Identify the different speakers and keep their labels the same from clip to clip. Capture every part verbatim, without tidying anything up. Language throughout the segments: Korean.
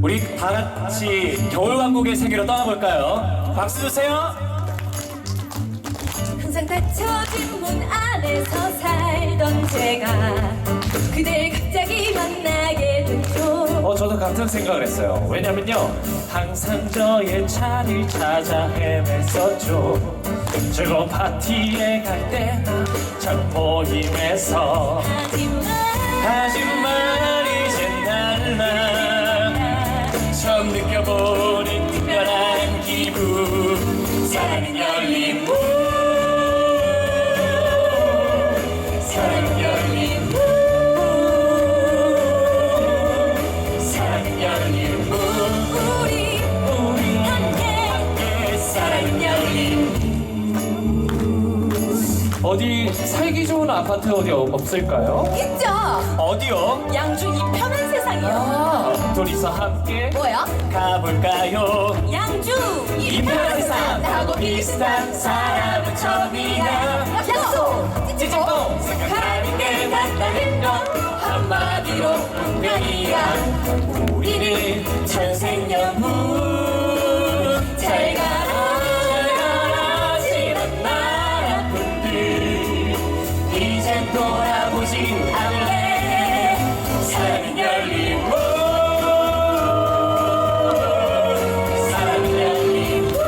Speaker 1: 우리 다 같이 겨울왕국의 세계로 떠나볼까요? 박수 주세요.
Speaker 2: 항상 닫혀진 문 안에서 살던 제가 그댈 갑자기 만나게 됐죠.
Speaker 1: 어, 저도 같은 생각을 했어요. 왜냐면요, 항상 저의 자리를 찾아 헤맸었죠. 즐거운 파티에 갈 때나 참 모임에서
Speaker 2: 하지만
Speaker 1: 하지만 이젠 달라 처음 느껴보는 특별한 기분. 사랑은 열린 문, 사랑은 열린 문, 사랑은 열린 문.
Speaker 2: 우리
Speaker 1: 우리
Speaker 2: 함께
Speaker 1: 함께 사랑은 열린 문. 어디 살기 좋은 아파트 어디 없- 없을까요?
Speaker 2: 있죠.
Speaker 1: 어디요?
Speaker 2: 양주 이 편한 세상이요.
Speaker 1: 아, 둘이서 함께
Speaker 2: 뭐야?
Speaker 1: 가볼까요?
Speaker 2: 양주
Speaker 1: 이 편한 세상 나하고 비슷한 사람은 처음이야.
Speaker 2: 약속
Speaker 1: 찌찌뽕 생각하는 게 같다는 건 한마디로 운명이야. 우리는 천생연분. 잘 가라 잘 가라 지난 나라분들 이젠 돌아보진 않을래. 사랑은 열린 문, 사랑은 열린 문.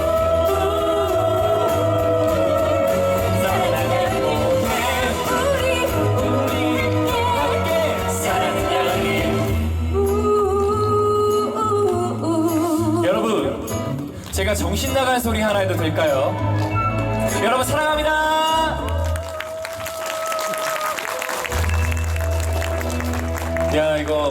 Speaker 1: 사랑은
Speaker 2: 우리
Speaker 1: 우리 함께 사랑은 열린
Speaker 2: 우우우우.
Speaker 1: 여러분, 제가 정신 나간 소리 하나 해도 될까요? 여러분 사랑합니다. 야, 이거